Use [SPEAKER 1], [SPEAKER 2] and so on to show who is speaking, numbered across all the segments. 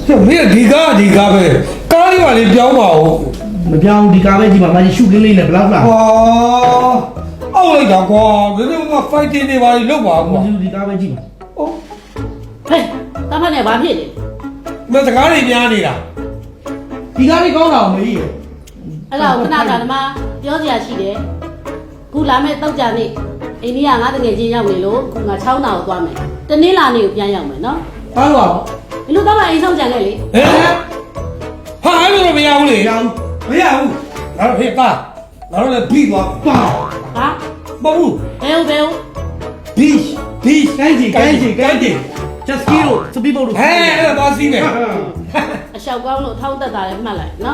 [SPEAKER 1] 没有地卡呗，咖喱话你表嘛哦。
[SPEAKER 2] မပြောင်းဒီကားပဲကြည့်ပါမကြီးရှုကင်းလေးနဲ့ဘလောက်လား
[SPEAKER 1] 哇，奥来讲瓜，人家我快点的话，六把
[SPEAKER 2] မ
[SPEAKER 1] 瓜。
[SPEAKER 2] ကြီးဒီကားပဲကြည့်
[SPEAKER 1] 哦，
[SPEAKER 3] ဟဲ့တာဖတ်နဲ့ဘာဖြစ်လဲ
[SPEAKER 1] 那是咖喱面的啦。
[SPEAKER 2] ဒီကားလေးကောင်းတာမကြီး
[SPEAKER 3] အဲ့ဒါကိုခဏခဏဒီမှာပြောစရာရှိတယ်ခုလာမဲ့တောက်ကြနေ့အိန္ဒိယငါတငယ်ချင်းရောက်နေလို့ခုငါ6နာကိုသွားမယ်တနေ့လာနေ့ကိုပြန်ရောက်မယ်နော်
[SPEAKER 2] ဘာလို့
[SPEAKER 3] ဘယ်လိုတော့မှအိမ်ဆောင်ကြံခဲ့လေ
[SPEAKER 1] 哎，哈，还有没有嘞？
[SPEAKER 2] ရောင်း
[SPEAKER 1] 没有，然后嘿爸，然后来比我，
[SPEAKER 2] ပါ
[SPEAKER 3] ဟာ
[SPEAKER 1] 不不，
[SPEAKER 3] ဘယ်ဟုတ်ဘယ်ဟုတ်
[SPEAKER 1] 比，
[SPEAKER 2] ကိုင်းကြီးကိုင်းကြီးကိုင်းကြီး just kill စပီဘောလို့
[SPEAKER 1] 哎，那巴西呢？
[SPEAKER 3] အလျှောက်ကောင်းလို့ထောင်းသက်တာလည်းမှတ်လိုက်နော်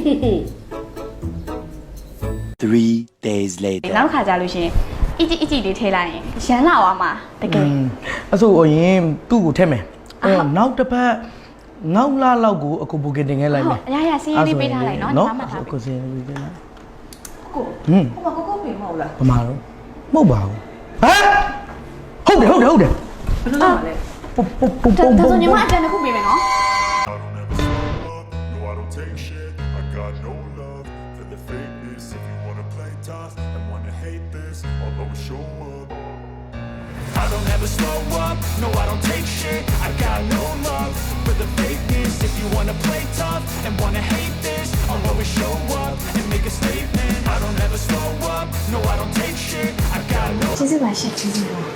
[SPEAKER 4] 3 days later.
[SPEAKER 5] နောက်ခါကြလို့ရှင်အကြည့်အကြည့်လေးထဲလိုက်ရင်ရန်လာသွားမှာတကယ်
[SPEAKER 2] အဲ့ဆိုရင်သူ့ကိုထည့်မယ်နောက်တစ်ပတ်နောက်လာလောက်ကိုအခုဘူကင်တင်ခဲ့လိုက်မယ်
[SPEAKER 5] အရာရာစီးရေးလေးပေးထားလိုက်နော်ဒီမှာမှတ်ထား
[SPEAKER 2] အခုစီးရေးလေးပေးလိုက်
[SPEAKER 5] ကို
[SPEAKER 2] ဟွန်း
[SPEAKER 5] ဟိုမှာကိုပြင်မဟုတ်လား
[SPEAKER 2] ဘာမှတော့မဟုတ်ပါဘူးဟမ်ဟုတ်တယ်
[SPEAKER 5] ဘယ်လိုလုပ်မှာလဲ
[SPEAKER 2] ပုံပုံပုံ
[SPEAKER 5] ဒါ
[SPEAKER 2] ပုံ
[SPEAKER 5] ဆိုညီမအတန်းတစ်ခုပြင်မယ်နော်
[SPEAKER 6] No, I don't take shit. I got no love for the fakeness. If you wanna play tough and wanna hate this, I'll always show up. I don't ever slow up. No, I don't take shit. I got no love for the fakeness. If you wanna play tough and wanna hate this, I'll always show up and make a statement. I don't ever slow up. No, I don't take shit. I got no.
[SPEAKER 5] ကျေးဇူးပါရှင်ကျေးဇူးပါ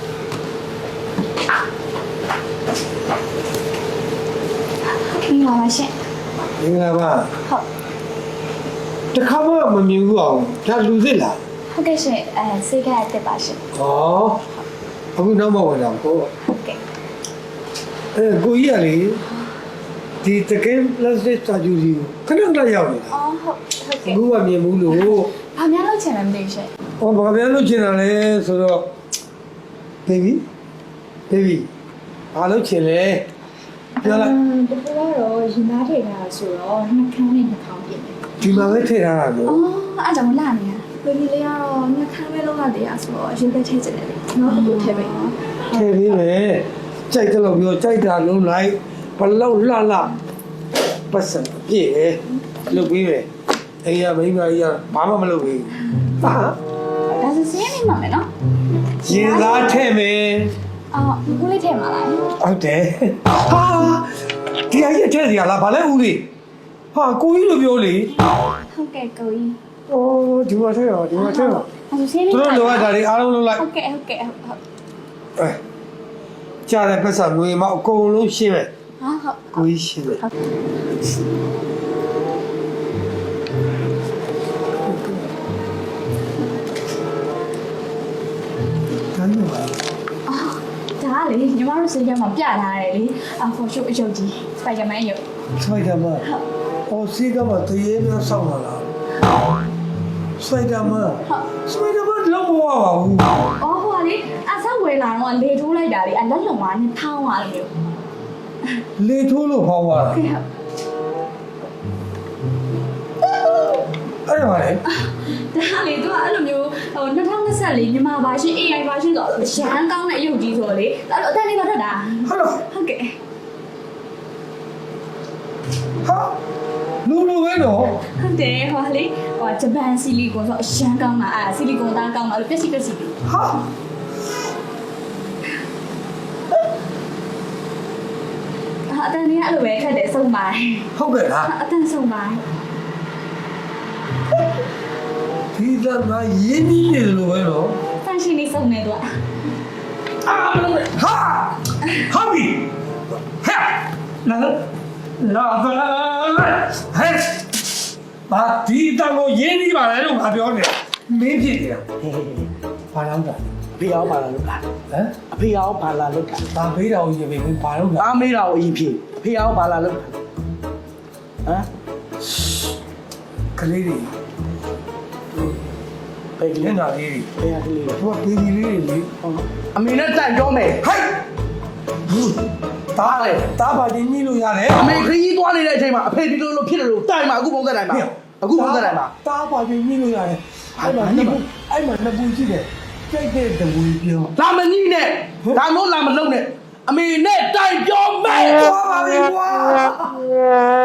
[SPEAKER 5] မင်္ဂလာပါရှင်
[SPEAKER 1] 明白吧？
[SPEAKER 5] ဟုတ်
[SPEAKER 1] 这看不没明白哦，这路子啦。
[SPEAKER 5] ဟုတ်ကဲ့ရှင်စိတ်ကအစ်စ်ပါရှင်
[SPEAKER 1] 哦，အခုနောက်မှဝင်တော့ကို
[SPEAKER 5] ဟုတ်ကဲ့
[SPEAKER 1] ကိုကြီးကလေဒီတကယ် plastic စာကြူစီခဏခဏရောက်နေတာ
[SPEAKER 5] အော်ဟုတ်ကဲ့
[SPEAKER 1] အခုကမြင်ဘူးလို့
[SPEAKER 5] ဘာများလုပ်ချင်လဲမသိဘူးရှင်
[SPEAKER 1] ဟောဘာပြန်လို့ချင်တာလဲဆိုတော့ baby ဘာလို့ချင်လဲပြောလိုက်
[SPEAKER 5] တပူကတော့ရင်သားထိထားဆိုတော့နှာခမ်းနဲ့နှာခေါင်းပြင်တယ်
[SPEAKER 1] ဒီမှာပဲထည့်ထားတာလို့
[SPEAKER 5] အော်အားကြောင့်လာနေတာဘယ်ဒီလေးကတော့နှာခမ်းပဲလောက်ရတရားဆိုတော့ရင်သက်ထိချင်တယ်လေနော်အခုထဲပဲ
[SPEAKER 1] ထည့်ပြီးမယ်ကြိုက်တယ်လို့ပြောကြိုက်တာလုံးလိုက်ဘလောက်လှလှပတ်စံပြည့်ပဲလုပ်ပြီးမယ်အိမ်ကမိန်းမကြီးကဘာမှမလုပ်ဘူးဟာ
[SPEAKER 5] ဒါဆိုစင်းနေမှာမယ်နော်
[SPEAKER 1] ရင်သားထည့်မယ်
[SPEAKER 5] အော်ဦးလေးထဲမှာလား
[SPEAKER 1] ဟုတ်တယ်ဟာဒီအကြီးအထက်စီကလားဘာလဲဦးလေးဟာကိုကြီးလိုပြောလေ
[SPEAKER 5] ဟုတ်ကဲ့ကိုကြီး
[SPEAKER 1] အိုးဒီမှာထည့်ရောဒီမှာထည့်ရော
[SPEAKER 5] ဒါဆိုစင်းနေ
[SPEAKER 1] သူတို့လိုအပ်တာတွေအားလုံးလုပ်လိုက်
[SPEAKER 5] ဟုတ်ကဲ့ဟုတ်
[SPEAKER 1] အဲကြားတဲ့ပတ်စံငွေမအကုန်လုံးရှင်းမယ်
[SPEAKER 5] ဟုတ်
[SPEAKER 1] ကိုကြီးရှင်းမယ်တန်းပါ
[SPEAKER 5] ဒါကလေညီမတို့စင်းရမှာပြထားတယ်လေအဖော်ရှုပ်အယုတ်ကြီးစပိုင်ဒါမန်ယုတ်
[SPEAKER 1] စိုက်တယ်မအော်စီကမတရေများဆောက်လာလားစိုက်တယ်မစိုက်တယ်မလုံးမဝပါဘူး
[SPEAKER 5] အော်ဟိုကလေအဆောက်ဝယ်လာတော့လေထိုးလိုက်တာလေအလက်လုံမှာနဲ့ထောင်းသွားတယ်မျိုး
[SPEAKER 1] လေထိုးလို့ဖောင်းသွားတာ
[SPEAKER 5] ကဲဟုတ်
[SPEAKER 1] အဲ့ဒါလေ
[SPEAKER 5] ဒါလေသူကအဲ့လိုမျိုးဟို2024မြန်မာဘာရှင် AI ဘာရှင်ဆိုတော့ရန်ကောင်းတဲ့အယုတ်ကြီးဆိုတော့လေအဲ့လိုအတန်းလေးပါထွက်တာ
[SPEAKER 1] ဟုတ်လား
[SPEAKER 5] ဟုတ်ကဲ့
[SPEAKER 1] ဟာလူလူပဲနော်
[SPEAKER 5] ဟုတ်တယ်ဟိုကလေဟိုဂျပန်ဆီလီကွန်ဆိုအရန်ကောင်းတာဆီလီကွန်သားကောင်းတာလို့ပျက်စီး
[SPEAKER 1] ဟာ
[SPEAKER 5] အတန်းလေးအဲ့လိုပဲခက်တယ်ဆုံးပါ
[SPEAKER 1] ဟုတ်ကဲ့လား
[SPEAKER 5] အတန်းဆုံးပါ
[SPEAKER 1] ဒီကမှာရင်းနှီးနေတယ်လို့ပဲနော်
[SPEAKER 5] တန်ရှင်လေးဆုံးနေတော့
[SPEAKER 1] အာမလို့ဟာဟာဘီဟဲ့လာလာဟဲ့ဘာဒီတောင်ကိုရင်းနှီးပါလေလို့ငါပြောနေမင်းဖြစ်နေတာဘာလို့လဲ
[SPEAKER 2] ဖေအောင်ပါလာလို့လား
[SPEAKER 1] ဟမ်
[SPEAKER 2] အဖေအောင်ပါလာလို့တာ
[SPEAKER 1] ဘာမေးတော်ကြီးပဲမင်းဘာလို့လဲ
[SPEAKER 2] အားမေးတာကိုအရင်ဖြေဖေအောင်ပါလာလို့ဟမ်
[SPEAKER 1] ကလေးတွေ
[SPEAKER 2] ဘယ်က
[SPEAKER 1] လ
[SPEAKER 2] လေး
[SPEAKER 1] င်းတာလေးတွေ
[SPEAKER 2] ဘယ်ကလေး
[SPEAKER 1] သူကပေးဒီလေးတွေလေ
[SPEAKER 2] အမေနဲ့တိုင်ပြောမယ်
[SPEAKER 1] ဟိုက်ဘူးတားလေတားပါချင်းကြီးလို့ရတယ်
[SPEAKER 2] အမေခရီးသွားနေတဲ့အချိန်မှာအဖေဒီလိုလိုဖြစ်တယ်လို့တိုင်မှာအခုပုံသက်တိုင်မှာအခုပုံသက်တိုင်မှာ
[SPEAKER 1] တားပါချင်းကြီးလို့ရတယ်အဲ့မှာနှစ်ပူရှိတယ်ကြိုက်တဲ့တဝီပြော
[SPEAKER 2] လာမကြီးနဲ့ဒါမျိုးလာမလုံးနဲ့အမေနဲ့တိုင်ပြောမယ်
[SPEAKER 1] သွားပါပြီကွာပါ